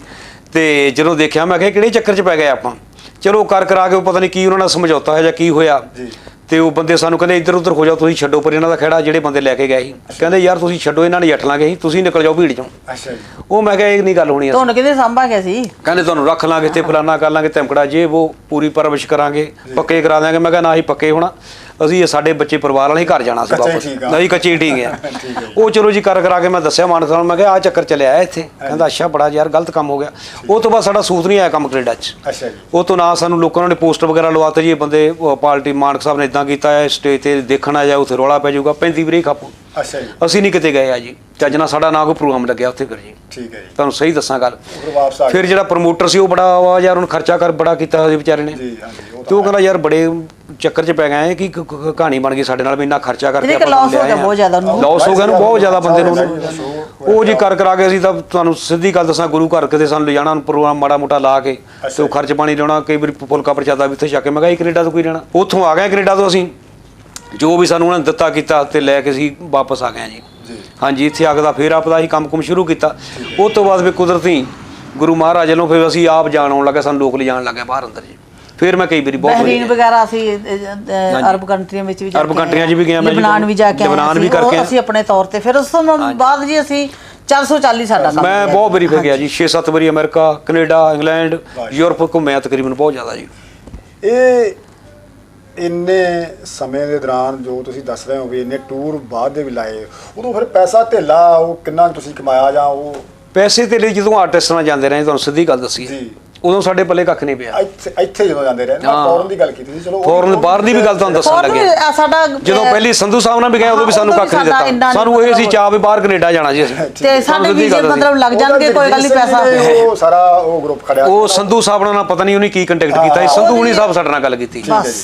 B: ਤੇ ਜਦੋਂ ਦੇਖਿਆ ਮੈਂ ਕਿਹਾ ਕਿਹੜੇ ਚੱਕਰ 'ਚ ਪੈ ਗਏ ਆਪਾਂ। ਚਲੋ ਕਰ ਕਰਾ ਕੇ ਪਤਾ ਨਹੀਂ ਕੀ ਉਹਨਾਂ ਨਾਲ ਸਮਝੌਤਾ ਹੋਇਆ ਜਾਂ ਕੀ ਹੋਇਆ, ਤੇ ਉਹ ਬੰਦੇ ਸਾਨੂੰ ਕਹਿੰਦੇ ਇੱਧਰ ਉੱਧਰ ਹੋ ਜਾਓ, ਤੁਸੀਂ ਛੱਡੋ ਪਰ ਇਹਨਾਂ ਦਾ ਖਹਿੜਾ। ਜਿਹੜੇ ਬੰਦੇ ਲੈ ਕੇ ਗਏ ਸੀ ਕਹਿੰਦੇ ਯਾਰ ਤੁਸੀਂ ਛੱਡੋ, ਇਹਨਾਂ ਨੇ ਜੱਟ ਲਾਂਗੇ, ਤੁਸੀਂ ਨਿਕਲ ਜਾਓ ਭੀੜ ਚੋਂ। ਅੱਛਾ ਜੀ। ਉਹ ਮੈਂ ਕਿਹਾ ਇਹ ਨਹੀਂ ਗੱਲ ਹੋਣੀ।
C: ਤੁਹਾਨੂੰ ਕਿਤੇ ਸਾਂਭਾਂਗੇ ਸੀ? ਕਹਿੰਦੇ
B: ਤੁਹਾਨੂੰ ਰੱਖ ਲਾਂਗੇ ਤੇ ਫਲਾਨਾ ਕਰ ਲਾਂਗੇ, ਧਮਕੜਾ ਜੇ ਉਹ ਪੂਰੀ ਪਰਵਿਸ਼ ਕਰਾਂਗੇ, ਪੱਕੇ ਕਰਾ ਦਿਆਂਗੇ। ਮੈਂ ਕਿਹਾ ਨਾ ਹੀ ਪੱਕੇ ਹੋਣਾ, ਅਸੀਂ ਸਾਡੇ ਬੱਚੇ ਪਰਿਵਾਰ ਵਾਲੇ ਘਰ ਜਾਣਾ ਸੀ ਵਾਪਸ, ਨਹੀਂ ਕੱਚੇ ਠੀਕ ਆ। ਉਹ ਚਲੋ ਜੀ ਕਰ ਕਰਾ ਕੇ ਮੈਂ ਦੱਸਿਆ ਮਾਨਕ ਸਾਹਿਬ ਨੂੰ, ਮੈਂ ਕਿਹਾ ਆਹ ਚੱਕਰ ਚੱਲਿਆ ਇੱਥੇ। ਕਹਿੰਦਾ ਅੱਛਾ ਬੜਾ ਯਾਰ ਗਲਤ ਕੰਮ ਹੋ ਗਿਆ। ਉਹ ਤੋਂ ਬਾਅਦ ਸਾਡਾ ਸੂਤ ਨਹੀਂ ਆਇਆ ਕੰਮ ਕੈਨੇਡਾ 'ਚ। ਅੱਛਾ ਜੀ। ਉਹ ਤੋਂ ਨਾ ਸਾਨੂੰ ਲੋਕਾਂ ਨੇ ਪੋਸਟਰ ਵਗੈਰਾ ਲਵਾਤੇ ਜੀ, ਇਹ ਬੰਦੇ ਪਾਰਟੀ ਮਾਨਕ ਸਾਹਿਬ ਨੇ ਇਦਾਂ ਕੀਤਾ ਹੈ, ਸਟੇਜ ਤੇ ਦੇਖਣ ਆ ਜਾਓ ਉੱਥੇ ਰੌਲਾ ਪੈ ਜਾਊਗਾ, ਪੈਂਤੀ ਵੀਰੇ ਖਾਪੋ। ਅੱਛਾ ਜੀ। ਅਸੀਂ ਨਹੀਂ ਕਿਤੇ ਗਏ ਆ ਜੀ, ਚੱਜ ਨਾਲ ਸਾਡਾ ਨਾ ਕੋਈ ਪ੍ਰੋਗਰਾਮ ਲੱਗਿਆ ਉੱਥੇ। ਫਿਰ ਜੀ ਠੀਕ ਹੈ ਜੀ, ਤੁਹਾਨੂੰ ਸਹੀ ਦੱਸਾਂ ਗੱਲ। ਫਿਰ ਜਿਹੜਾ ਪ੍ਰਮੋਟਰ ਸੀ ਉਹ ਬੜਾ ਯਾਰ ਉਹਨੂੰ ਖਰਚਾ ਕਰ ਬੜਾ ਕੀਤਾ ਸੀ ਵਿਚਾਰੇ ਨੇ, ਤੇ ਉਹ ਕਹਿੰਦਾ ਯਾਰ ਬੜੇ ਚੱਕਰ 'ਚ ਪੈ ਗਏ ਕਿ ਕ- ਕ- ਕਹਾਣੀ ਬਣ ਗਈ ਸਾਡੇ ਨਾਲ ਵੀ ਇੰਨਾ ਖਰਚਾ ਕਰਕੇ
C: ਇਹਦੇ ਲਾਸ ਹੋ ਗਿਆ ਬਹੁਤ ਜ਼ਿਆਦਾ ਉਹਨੂੰ
B: ਲਾਸ ਹੋ ਗਿਆ ਨੂੰ ਬਹੁਤ ਜ਼ਿਆਦਾ ਬੰਦੇ ਨੂੰ ਉਹਨੂੰ। ਉਹ ਜੀ ਕਰ ਕਰਾ ਕੇ ਅਸੀਂ ਤਾਂ ਤੁਹਾਨੂੰ ਸਿੱਧੀ ਗੱਲ ਦੱਸਾਂ ਗੁਰੂ ਘਰ ਕਿਤੇ ਸਾਨੂੰ ਲਿਜਾਣਾ ਪ੍ਰੋਗਰਾਮ ਮਾੜਾ ਮੋਟਾ ਲਾ ਕੇ ਤੇ ਉਹ ਖਰਚ ਪਾਣੀ ਲਿਆਉਣਾ ਕਈ ਵਾਰੀ ਫੁਲਕਾ ਪ੍ਰਸ਼ਾਦਾ ਵੀ ਉੱਥੇ ਛੱਕ ਕੇ ਮੈਂ ਕਿਹਾ ਕੈਨੇਡਾ ਤੋਂ ਕੋਈ ਲੈਣਾ। ਉੱਥੋਂ ਆ ਗਏ ਕੈਨੇਡਾ ਤੋਂ ਅਸੀਂ ਜੋ ਵੀ ਸਾਨੂੰ ਉਹਨਾਂ ਨੇ ਦਿੱਤਾ ਕੀਤਾ ਤੇ ਲੈ ਕੇ ਅਸੀਂ ਵਾਪਸ ਆ ਗਏ ਜੀ। ਹਾਂਜੀ ਇੱਥੇ ਆ ਕੇ ਦਾ ਫੇਰ ਆਪਦਾ ਅਸੀਂ ਕੰਮ ਕੁਮ ਸ਼ੁਰੂ ਕੀਤਾ। ਉਸ ਤੋਂ ਬਾਅਦ ਵੀ ਕੁਦਰਤੀ ਗੁਰੂ ਮਹਾਰਾਜ ਵੱਲੋਂ ਫਿਰ ਅਸੀਂ ਆਪ ਜਾਣ ਆਉਣ ਲੱਗੇ ਸਾਨੂੰ ਲੋਕ ਲਿਜਾਣ ਲੱਗੇ ਬਾਹਰ ਅੰਦਰ ਜੀ। ਫਿਰ ਮੈਂ ਕਈ ਵਾਰੀ ਬਹੁਤ
C: ਬਹਿਰੀਨ ਵਗੈਰਾ ਅਸੀਂ ਅਹ, ਅਰਬ ਕੰਟਰੀਆਂ ਵਿੱਚ ਵੀ ਜਾ
B: ਅਰਬ ਕੰਟਰੀਆਂ 'ਚ ਵੀ ਗਿਆ ਮੈਂ ਜੀ।
C: ਲਬਨਾਨ ਵੀ ਜਾ ਕੇ ਆਏ
B: ਲਬਨਾਨ ਵੀ
C: ਅਸੀਂ, ਉਹ
B: ਕਰਕੇ
C: ਅਸੀਂ ਆਪਣੇ ਤੌਰ ਤੇ ਫਿਰ ਉਸ ਤੋਂ ਬਾਅਦ ਜੀ ਅਸੀਂ ਚਾਰ ਸੌ ਚਾਲੀ ਸਾਡਾ ਕੰਮ
B: ਮੈਂ ਬਹੁਤ ਵਾਰੀ ਫਿਰ ਗਿਆ ਜੀ ਛੇ ਸੱਤ ਵਾਰੀ ਅਮਰੀਕਾ ਕੈਨੇਡਾ ਇੰਗਲੈਂਡ ਯੂਰਪ ਘੁੰਮਿਆ ਤਕਰੀਬਨ ਬਹੁਤ ਜ਼ਿਆਦਾ ਜੀ।
A: ਇਹ ਇੰਨੇ ਸਮੇਂ ਦੇ ਦੌਰਾਨ ਜੋ ਤੁਸੀਂ ਦੱਸ ਰਹੇ ਹੋ ਵੀ ਇੰਨੇ ਟੂਰ ਬਾਅਦ ਦੇ ਵੀ ਲਾਏ ਉਦੋਂ ਫਿਰ ਪੈਸਾ ਧੇਲਾ ਉਹ ਕਿੰਨਾ ਤੁਸੀਂ ਕਮਾਇਆ ਜਾਂ ਉਹ
B: ਪੈਸੇ ਤੇ ਲਈ ਜਦੋਂ ਆਰਟਿਸਟ ਨਾਲ ਜਾਂਦੇ ਰਹੇ ਤੁਹਾਨੂੰ ਸਿੱਧੀ ਗੱਲ ਦੱਸੀ
A: ਜੀ
B: ਉਦੋਂ ਸਾਡੇ ਪੱਲੇ ਕੱਖ ਨਹੀਂ ਪਿਆ।
A: ਇੱਥੇ ਇੱਥੇ ਜਦੋਂ ਜਾਂਦੇ ਰਹੇ ਨਾ ਫੋਰਨ ਦੀ ਗੱਲ ਕੀਤੀ ਸੀ ਚਲੋ
B: ਫੋਰਨ ਬਾਹਰ ਦੀ ਵੀ ਗੱਲ ਤੁਹਾਨੂੰ ਦੱਸਣ ਲੱਗੇ
C: ਸਾਡਾ
B: ਜਦੋਂ ਪਹਿਲੀ ਸੰਧੂ ਸਾਹਿਬ ਨਾਲ ਵੀ ਗਏ ਉਦੋਂ ਵੀ ਸਾਨੂੰ ਕੱਖ ਨਹੀਂ ਦਿੱਤਾ। ਸਾਨੂੰ ਇਹ ਸੀ ਚਾਹ ਵੀ ਬਾਹਰ ਕੈਨੇਡਾ ਜਾਣਾ ਜੀ ਅਸੀਂ
C: ਤੇ ਸਾਡੇ ਵੀਜ਼ੇ ਮਤਲਬ ਲੱਗ ਜਾਣਗੇ ਕੋਈ ਗੱਲ ਨਹੀਂ ਪੈਸਾ
A: ਉਹ ਸਾਰਾ ਉਹ ਗਰੁੱਪ ਖੜਿਆ
B: ਉਹ ਸੰਧੂ ਸਾਹਿਬ ਨਾਲ ਪਤਾ ਨਹੀਂ ਉਹਨੇ ਕੀ ਕੰਟੈਕਟ ਕੀਤਾ ਸੀ। ਸੰਧੂ ਹੁਣੀ ਸਾਹਿਬ ਸਾਡੇ ਨਾਲ ਗੱਲ ਕੀਤੀ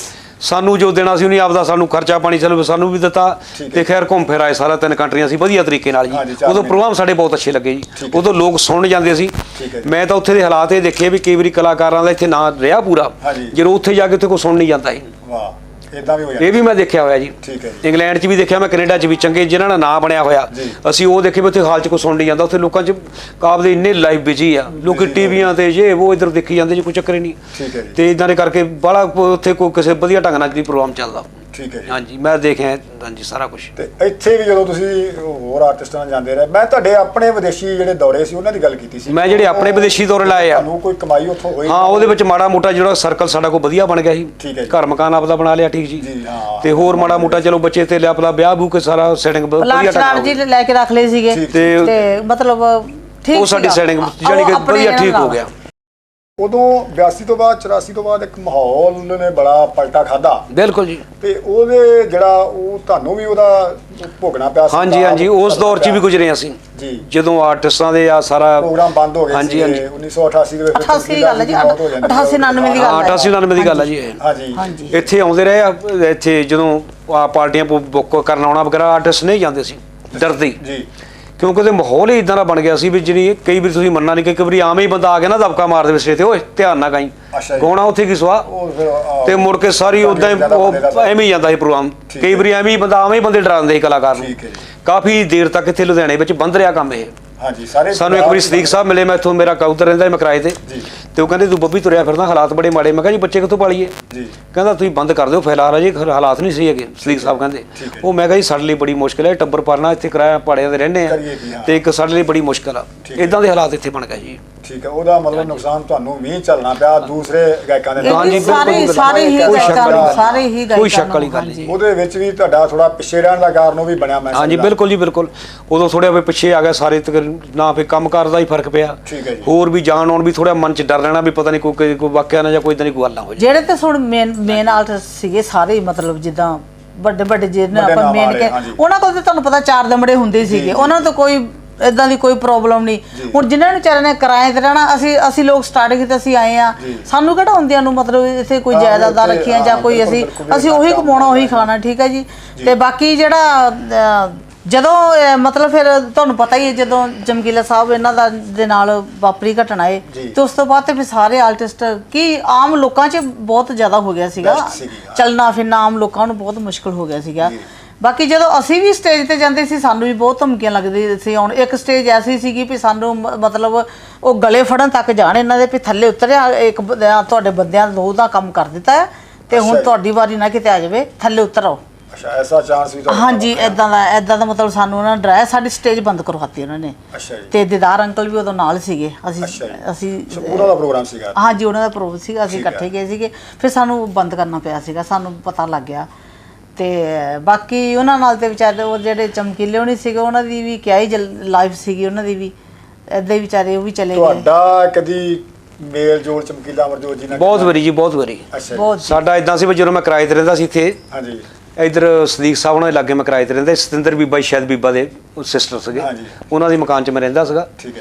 B: ਸਾਨੂੰ ਜੋ ਦੇਣਾ ਸੀ ਉਹਨੇ ਆਪਦਾ ਸਾਨੂੰ ਖਰਚਾ ਪਾਣੀ ਚਲੋ ਸਾਨੂੰ ਵੀ ਦਿੱਤਾ ਤੇ ਖੈਰ ਘੁੰਮ ਫਿਰ ਆਏ ਸਾਰਾ ਤਿੰਨ ਕੰਟਰੀਆਂ ਸੀ ਵਧੀਆ ਤਰੀਕੇ ਨਾਲ ਜੀ। ਉਦੋਂ ਪ੍ਰੋਗਰਾਮ ਸਾਡੇ ਬਹੁਤ ਅੱਛੇ ਲੱਗੇ ਜੀ। ਉਦੋਂ ਲੋਕ ਸੁਣਨ ਜਾਂਦੇ ਸੀ। ਮੈਂ ਤਾਂ ਉੱਥੇ ਦੇ ਹਾਲਾਤ ਇਹ ਦੇਖੇ ਵੀ ਕਈ ਵਾਰੀ ਕਲਾਕਾਰਾਂ ਦਾ ਇੱਥੇ ਨਾਂ ਰਿਹਾ ਪੂਰਾ ਜਦੋਂ ਉੱਥੇ ਜਾ ਕੇ ਉੱਥੇ ਕੋਈ ਸੁਣ ਨਹੀਂ ਜਾਂਦਾ ਸੀ।
A: ਵਾਹ ਇਦਾਂ ਵੀ ਹੋ ਜਾਂਦਾ
B: ਇਹ ਵੀ ਮੈਂ ਦੇਖਿਆ ਹੋਇਆ ਜੀ। ਇੰਗਲੈਂਡ 'ਚ ਵੀ ਦੇਖਿਆ ਮੈਂ ਕੈਨੇਡਾ 'ਚ ਵੀ ਚੰਗੇ ਜਿਨ੍ਹਾਂ ਦਾ ਨਾਂ ਬਣਿਆ ਹੋਇਆ ਅਸੀਂ ਉਹ ਦੇਖੇ ਵੀ ਉੱਥੇ ਹਾਲ 'ਚ ਕੋਈ ਸੁਣ ਨਹੀਂ ਜਾਂਦਾ। ਉੱਥੇ ਲੋਕਾਂ 'ਚ ਕਾਬਲੇ ਇੰਨੇ ਲਾਈਵ ਬਿਜੀ ਆ ਲੋਕ ਟੀਵੀਆਂ ਤੇ ਜੇ ਉਹ ਇੱਧਰ ਦੇਖੀ ਜਾਂਦੇ ਜੀ ਕੋਈ ਚੱਕਰ ਹੀ ਨਹੀਂ ਤੇ ਇਦਾਂ ਦੇ ਕਰਕੇ ਬੜਾ ਉੱਥੇ ਕੋਈ ਕਿਸੇ ਵਧੀਆ ਢੰਗ ਨਾਲ ਜੀ ਪ੍ਰੋਗਰਾਮ ਚੱਲਦਾ।
A: ਠੀਕ ਹੈ ਜੀ
B: ਹਾਂਜੀ ਮੈਂ ਦੇਖਿਆ ਹਾਂਜੀ ਸਾਰਾ ਕੁਝ।
A: ਤੇ ਇੱਥੇ ਵੀ ਜਦੋਂ ਤੁਸੀਂ ਹੋਰ ਆਰਟਿਸਟਾਂ ਨਾਲ ਜਾਂਦੇ ਰਹੇ ਮੈਂ ਤੁਹਾਡੇ ਆਪਣੇ ਵਿਦੇਸ਼ੀ ਜਿਹੜੇ ਦੌਰੇ ਸੀ ਉਹਨਾਂ ਦੀ ਗੱਲ ਕੀਤੀ ਸੀ।
B: ਮੈਂ ਜਿਹੜੇ ਆਪਣੇ ਵਿਦੇਸ਼ੀ ਦੌਰੇ ਲਾਏ ਆ
A: ਤੁਹਾਨੂੰ ਕੋਈ ਕਮਾਈ ਉੱਥੋਂ ਹੋਈ?
B: ਹਾਂ ਉਹਦੇ ਵਿੱਚ ਮਾੜਾ ਮੋਟਾ ਜਿਹੜਾ ਸਰਕਲ ਸਾਡਾ ਕੋਈ ਵਧੀਆ ਬਣ ਗਿਆ ਸੀ। ਘਰ ਮਕਾਨ ਆਪਦਾ ਬਣਾ ਲਿਆ ਠੀਕ ਜੀ ਤੇ ਹੋਰ ਮਾੜਾ ਮੋਟਾ ਚਲੋ ਬੱਚੇ ਤੇ ਲਿਆ ਆਪਦਾ ਵਿਆਹ ਬੂ ਕੇ ਸਾਰਾ ਸੈਟਿੰਗ ਵਧੀਆ
C: ਢੰਗ ਜੀ ਲੈ ਕੇ ਰੱਖ ਲਏ ਸੀਗੇ ਤੇ ਮਤਲਬ ਠੀਕ
B: ਉਹ ਸਾਡੀ ਸੈਟਿੰਗ ਜਾਨੀ ਕਿ ਵਧੀਆ ਠੀਕ ਹੋ ਗਿਆ।
A: ਉਦੋਂ ਬਿਆਸੀ ਤੋਂ ਬਾਅਦ ਚੁਰਾਸੀ ਤੋਂ ਬਾਅਦ ਇੱਕ ਮਾਹੌਲ ਨੇ ਬੜਾ ਪਲਟਾ ਖਾਦਾ।
B: ਬਿਲਕੁਲ ਜੀ
A: ਤੇ ਉਹਦੇ ਜਿਹੜਾ ਉਹ ਤੁਹਾਨੂੰ ਵੀ ਉਹਦਾ ਭੋਗਣਾ ਪਿਆ ਸੀ।
B: ਹਾਂਜੀ ਹਾਂਜੀ ਉਸ ਦੌਰ 'ਚ ਵੀ ਗੁਜ਼ਰੇ ਅਸੀਂ
A: ਜੀ
B: ਜਦੋਂ ਆਰਟਿਸਟਾਂ ਦੇ ਆ ਸਾਰਾ
A: ਪ੍ਰੋਗਰਾਮ ਬੰਦ ਹੋ ਗਏ ਸੀ ਉੱਨੀ ਸੌ ਅਠਾਸੀ ਦੇ ਵਿੱਚ।
C: ਅਠਾਸੀ ਦੀ ਗੱਲ ਹੈ ਜੀ ਅਠਾਸੀ ਉਨਾਨਵੇਂ ਦੀ ਗੱਲ ਹੈ।
B: ਅਠਾਸੀ ਉਨਾਨਵੇਂ ਦੀ ਗੱਲ ਹੈ ਜੀ।
A: ਹਾਂਜੀ
B: ਇੱਥੇ ਆਉਂਦੇ ਰਹੇ ਆ ਇੱਥੇ ਜਦੋਂ ਆ ਪਾਰਟੀਆਂ ਬੁੱਕ ਕਰਨ ਆਉਣਾ ਵਗੈਰਾ ਆਰਟਿਸਟ ਨਹੀਂ ਜਾਂਦੇ ਸੀ ਡਰਦੇ
A: ਜੀ
B: ਕਿਉਂਕਿ ਉਹਦੇ ਮਾਹੌਲ ਹੀ ਇਦਾਂ ਦਾ ਬਣ ਗਿਆ ਸੀ ਵੀ ਜਿਹੜੀ ਕਈ ਵਾਰੀ ਤੁਸੀਂ ਮੰਨਣਾ ਨਹੀਂ ਕਿ ਕਈ ਵਾਰੀ ਆਮ ਹੀ ਬੰਦਾ ਆ ਗਿਆ ਨਾ ਦਬਕਾ ਮਾਰ ਦੇਵੇ ਸਿਰੇ ਤੇ ਓਏ ਧਿਆਨ ਨਾਲ ਗਾਈ ਗਾਉਣਾ ਉੱਥੇ ਕੀ ਸਵਾ ਤੇ ਮੁੜ ਕੇ ਸਾਰੀ ਉਦਾਂ ਹੀ ਉਹ ਐਵੇਂ ਹੀ ਜਾਂਦਾ ਸੀ ਪ੍ਰੋਗਰਾਮ। ਕਈ ਵਾਰੀ ਐਵੇਂ ਹੀ ਬੰਦਾ ਆਵੇਂ ਹੀ ਬੰਦੇ ਡਰਾਉਂਦੇ ਸੀ ਕਲਾਕਾਰ ਨੂੰ। ਕਾਫੀ ਦੇਰ ਤੱਕ ਇੱਥੇ ਲੁਧਿਆਣੇ ਵਿੱਚ ਬੰਦ ਰਿਹਾ ਕੰਮ ਇਹ।
A: ਹਾਂਜੀ ਸਾਰੇ
B: ਸਾਨੂੰ ਇੱਕ ਵਾਰੀ ਸਦੀਕ ਸਾਹਿਬ ਮਿਲੇ ਮੈਂ ਇੱਥੋਂ ਮੇਰਾ ਕਬੂਤਰ ਰਹਿੰਦਾ ਮੈਂ ਕਿਰਾਏ ਤੇ ਤੇ ਉਹ ਕਹਿੰਦੇ ਤੂੰ ਬੱਬੀ ਤੁਰਿਆ ਫਿਰਦਾ ਹਾਲਾਤ ਬੜੇ ਮਾੜੇ। ਮੈਂ ਕਿਹਾ ਜੀ ਬੱਚੇ ਕਿੱਥੋਂ ਪਾਲੀਏ? ਕਹਿੰਦਾ ਤੁਸੀਂ ਬੰਦ ਕਰ ਦਿਓ ਫਿਲਹਾਲ ਜੀ ਹਾਲਾਤ ਨਹੀਂ ਸਹੀ ਹੈਗੇ। ਸਦੀਕ ਸਾਹਿਬ ਕਹਿੰਦੇ ਉਹ ਮੈਂ ਕਿਹਾ ਜੀ ਸਾਡੇ ਲਈ ਬੜੀ ਮੁਸ਼ਕਿਲ ਹੈ ਟੱਬਰ ਪਾਲਣਾ ਇੱਥੇ ਕਿਰਾਇਆ ਭਾੜਿਆਂ ਤੇ ਰਹਿੰਦੇ ਆ ਤੇ ਇੱਕ ਸਾਡੇ ਲਈ ਬੜੀ ਮੁਸ਼ਕਿਲ ਆ ਇਦਾਂ ਦੇ ਹਾਲਾਤ ਇੱਥੇ ਬਣ ਗਏ ਜੀ।
A: ਠੀਕ ਹੈ ਉਹਦਾ ਮਤਲਬ ਨੁਕਸਾਨ ਤੁਹਾਨੂੰ ਵੀ ਚੱਲਣਾ ਪਿਆ ਦੂਸਰੇ ਗਾਇਕਾਂ ਦੇ ਨਾਲ।
B: ਹਾਂਜੀ
C: ਸਾਰੇ ਸਾਰੇ ਹੀ ਗਾਇਕਾਂ ਸਾਰੇ ਹੀ ਗਾਇਕਾਂ
B: ਕੋਈ ਸ਼ੱਕ ਵਾਲੀ ਗੱਲ ਨਹੀਂ।
A: ਉਹਦੇ ਵਿੱਚ ਵੀ ਤੁਹਾਡਾ ਥੋੜਾ ਪਿੱਛੇ ਰਹਿਣ ਦਾ ਕਾਰਨ ਉਹ ਵੀ ਬਣਿਆ ਮੈਂ।
B: ਹਾਂਜੀ ਬਿਲਕੁਲ ਜੀ ਬਿਲਕੁਲ ਉਦੋਂ ਥੋੜਾ ਵੀ ਪਿੱਛੇ ਆ ਗਿਆ ਸਾਰੇ ਨਾ ਫਿਰ ਕੰਮ ਕਰਦਾ ਹੀ ਫਰਕ ਪਿਆ। ਹੋਰ ਵੀ ਜਾਣ ਆਉਣ ਵੀ ਥੋੜਾ ਮਨ 'ਚ ਡਰ ਰਹਿਣਾ ਵੀ ਪਤਾ ਨਹੀਂ ਕੋਈ ਕੋਈ ਵਾਕਿਆ ਨਾ ਜਾਂ ਕੋਈ ਇਦਾਂ ਦੀ ਕੋਈ ਗੱਲ ਨਾ ਹੋ ਜਾਏ।
C: ਜਿਹੜੇ ਤੇ ਹੁਣ ਮੇਨ ਮੇਨ ਆਰਟਿਸਟ ਸੀਗੇ ਸਾਰੇ ਮਤਲਬ ਜਿੱਦਾਂ ਵੱਡੇ ਵੱਡੇ ਜਿਹਨਾਂ ਆਪਾਂ ਮੇਨ ਕੇ ਉਹਨਾਂ ਕੋਲ ਤੇ ਤੁਹਾਨੂੰ ਪਤਾ ਚਾਰ ਦਮੜੇ ਹੁੰਦੇ ਸੀਗੇ ਉਹਨਾਂ ਤੋਂ ਕੋਈ ਇਦਾਂ ਦੀ ਕੋਈ ਪ੍ਰੋਬਲਮ ਨਹੀਂ। ਹੁਣ ਜਿਨ੍ਹਾਂ ਨੂੰ ਵਿਚਾਰਿਆਂ ਨੇ ਕਿਰਾਏ ਤੇ ਰਹਿਣਾ ਅਸੀਂ ਅਸੀਂ ਲੋਕ ਸਟਾਰਟਿੰਗ ਤੇ ਅਸੀਂ ਆਏ ਆ ਸਾਨੂੰ ਕਿਹੜਾ ਹੁੰਦਿਆਂ ਨੂੰ ਮਤਲਬ ਇੱਥੇ ਕੋਈ ਜਾਇਦਾਦਾਂ ਰੱਖੀਆਂ ਜਾਂ ਕੋਈ ਅਸੀਂ ਅਸੀਂ ਉਹੀ ਕਮਾਉਣਾ ਉਹੀ ਖਾਣਾ ਠੀਕ ਹੈ ਜੀ। ਤੇ ਬਾਕੀ ਜਿਹੜਾ ਜਦੋਂ ਮਤਲਬ ਫਿਰ ਤੁਹਾਨੂੰ ਪਤਾ ਹੀ ਹੈ ਜਦੋਂ ਚਮਕੀਲਾ ਸਾਹਿਬ ਇਹਨਾਂ ਦਾ ਦੇ ਨਾਲ ਵਾਪਰੀ ਘਟਨਾ ਹੈ ਤੇ ਉਸ ਤੋਂ ਬਾਅਦ ਤੇ ਫਿਰ ਸਾਰੇ ਆਰਟਿਸਟ ਕੀ ਆਮ ਲੋਕਾਂ 'ਚ ਬਹੁਤ ਜ਼ਿਆਦਾ ਹੋ ਗਿਆ ਸੀਗਾ ਚੱਲਣਾ ਫਿਰਨਾ ਆਮ ਲੋਕਾਂ ਨੂੰ ਬਹੁਤ ਮੁਸ਼ਕਲ ਹੋ ਗਿਆ ਸੀਗਾ। ਬਾਕੀ ਜਦੋਂ ਅਸੀਂ ਵੀ ਸਟੇਜ ਤੇ ਜਾਂਦੇ ਸੀ ਸਾਨੂੰ ਵੀ ਬਹੁਤ ਧਮਕੀਆਂ ਲੱਗਦੀਆਂ ਸੀ। ਹੁਣ ਇੱਕ ਸਟੇਜ ਐਸੀ ਸੀਗੀ ਵੀ ਸਾਨੂੰ ਮਤਲਬ ਉਹ ਗਲੇ ਫੜਨ ਤੱਕ ਜਾਣ ਇਹਨਾਂ ਦੇ ਵੀ ਥੱਲੇ ਉਤਰਿਆ ਇੱਕ ਤੁਹਾਡੇ ਬੰਦਿਆਂ ਦੋ ਦਾ ਕੰਮ ਕਰ ਦਿੱਤਾ ਤੇ ਹੁਣ ਤੁਹਾਡੀ ਵਾਰੀ ਨਾ ਕਿਤੇ ਆ ਜਾਵੇ ਥੱਲੇ ਉਤਰ ਆਓ।
A: ਅੱਛਾ ਐਸਾ ਚਾਂਸ ਵੀ ਤੁਹਾਡਾ?
C: ਹਾਂਜੀ ਇਦਾਂ ਦਾ ਇਦਾਂ ਦਾ ਮਤਲਬ ਸਾਨੂੰ ਉਹਨਾਂ ਨੇ ਡਰਾਇਆ ਸਾਡੀ ਸਟੇਜ ਬੰਦ ਕਰਵਾਤੀ ਉਹਨਾਂ ਨੇ।
A: ਅੱਛਾ ਜੀ
C: ਤੇ ਦੀਦਾਰ ਅੰਕਲ ਵੀ ਉਦੋਂ ਨਾਲ ਸੀਗੇ ਅਸੀਂ ਅਸੀਂ
A: ਉਹਨਾਂ ਦਾ ਪ੍ਰੋਗਰਾਮ ਸੀਗਾ?
C: ਹਾਂਜੀ ਉਹਨਾਂ ਦਾ ਪ੍ਰੋਗਰਾਮ ਸੀਗਾ ਅਸੀਂ ਇਕੱਠੇ ਗਏ ਸੀਗੇ ਫਿਰ ਸਾਨੂੰ ਬੰਦ ਕਰਨਾ ਪਿਆ ਸੀਗਾ ਸਾਨੂੰ ਪਤਾ ਲੱਗ ਗਿਆ। ਤੇ ਬਾਕੀ ਉਹਨਾਂ ਨਾਲ ਤੇ ਵਿਚਾਰੇ ਉਹ ਜਿਹੜੇ ਚਮਕੀਲੇ ਹੋਣੀ ਸੀਗੇ ਉਹਨਾਂ ਦੀ ਵੀ ਕਿਆ ਹੀ ਲਾਈਫ ਸੀਗੀ ਉਹਨਾਂ ਦੀ ਵੀ ਏਦਾਂ ਹੀ ਵਿਚਾਰੇ ਉਹ ਵੀ ਚਲੇ ਗਏ।
A: ਤੁਹਾਡਾ ਕਦੀ ਮੇਲ ਜੋਲ ਚਮਕੀਲਾ ਅਮਰਜੋਤ ਜੀ ਨਾਲ?
B: ਬਹੁਤ ਵਾਰੀ ਜੀ ਬਹੁਤ ਵਾਰੀ। ਸਾਡਾ ਇਦਾਂ ਸੀ ਵੀ ਜਦੋਂ ਮੈਂ ਕਿਰਾਏ ਤੇ ਰਹਿੰਦਾ ਸੀ ਇੱਥੇ
A: ਹਾਂਜੀ
B: ਇਧਰ ਸਦੀਕ ਸਾਹਿਬ ਉਹਨਾਂ ਦੇ ਲਾਗੇ ਮੈਂ ਕਿਰਾਏ ਤੇ ਰਹਿੰਦਾ ਸਤਿੰਦਰ ਬੀਬਾ ਸ਼ਾਇਦ ਬੀਬਾ ਦੇ ਸਿਸਟਰ ਸੀਗੇ ਉਹਨਾਂ ਦੇ ਮਕਾਨ 'ਚ ਮੈਂ ਰਹਿੰਦਾ ਸੀਗਾ।
A: ਠੀਕ ਹੈ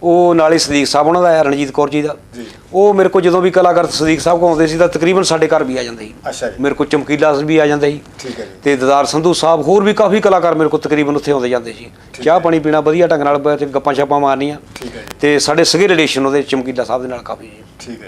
B: ਉਹ ਨਾਲੇ ਸਦੀਕ ਸਾਹਿਬ ਉਹਨਾਂ ਦਾ ਹੈ, ਰਣਜੀਤ ਕੌਰ ਜੀ ਦਾ
A: ਜੀ।
B: ਉਹ ਮੇਰੇ ਕੋਲ ਜਦੋਂ ਵੀ ਕਲਾਕਾਰ ਸਦੀਕ ਸਾਹਿਬ ਕੋਲ ਆਉਂਦੇ ਸੀ ਤਾਂ ਤਕਰੀਬਨ ਸਾਡੇ ਘਰ ਵੀ ਆ ਜਾਂਦੇ ਸੀ।
A: ਅੱਛਾ ਜੀ।
B: ਮੇਰੇ ਕੋਲ ਚਮਕੀਲਾ ਵੀ ਆ ਜਾਂਦਾ ਸੀ।
A: ਠੀਕ ਹੈ ਜੀ।
B: ਤੇ ਦਦਾਰ ਸੰਧੂ ਸਾਹਿਬ ਹੋਰ ਵੀ ਕਾਫੀ ਕਲਾਕਾਰ ਮੇਰੇ ਕੋਲ ਤਕਰੀਬਨ ਉੱਥੇ ਆਉਂਦੇ ਜਾਂਦੇ ਸੀ। ਚਾਹ ਪਾਣੀ ਪੀਣਾ ਵਧੀਆ ਢੰਗ ਨਾਲ, ਤੇ ਗੱਪਾਂ ਛਾਪਾਂ ਮਾਰਨੀਆਂ।
A: ਠੀਕ ਹੈ ਜੀ।
B: ਤੇ ਸਾਡੇ ਸਗੇ ਰਿਲੇਸ਼ਨ ਉਹਦੇ ਚਮਕੀਲਾ ਸਾਹਿਬ ਦੇ ਨਾਲ ਕਾਫੀ ਜੀ।
A: ਠੀਕ ਹੈ।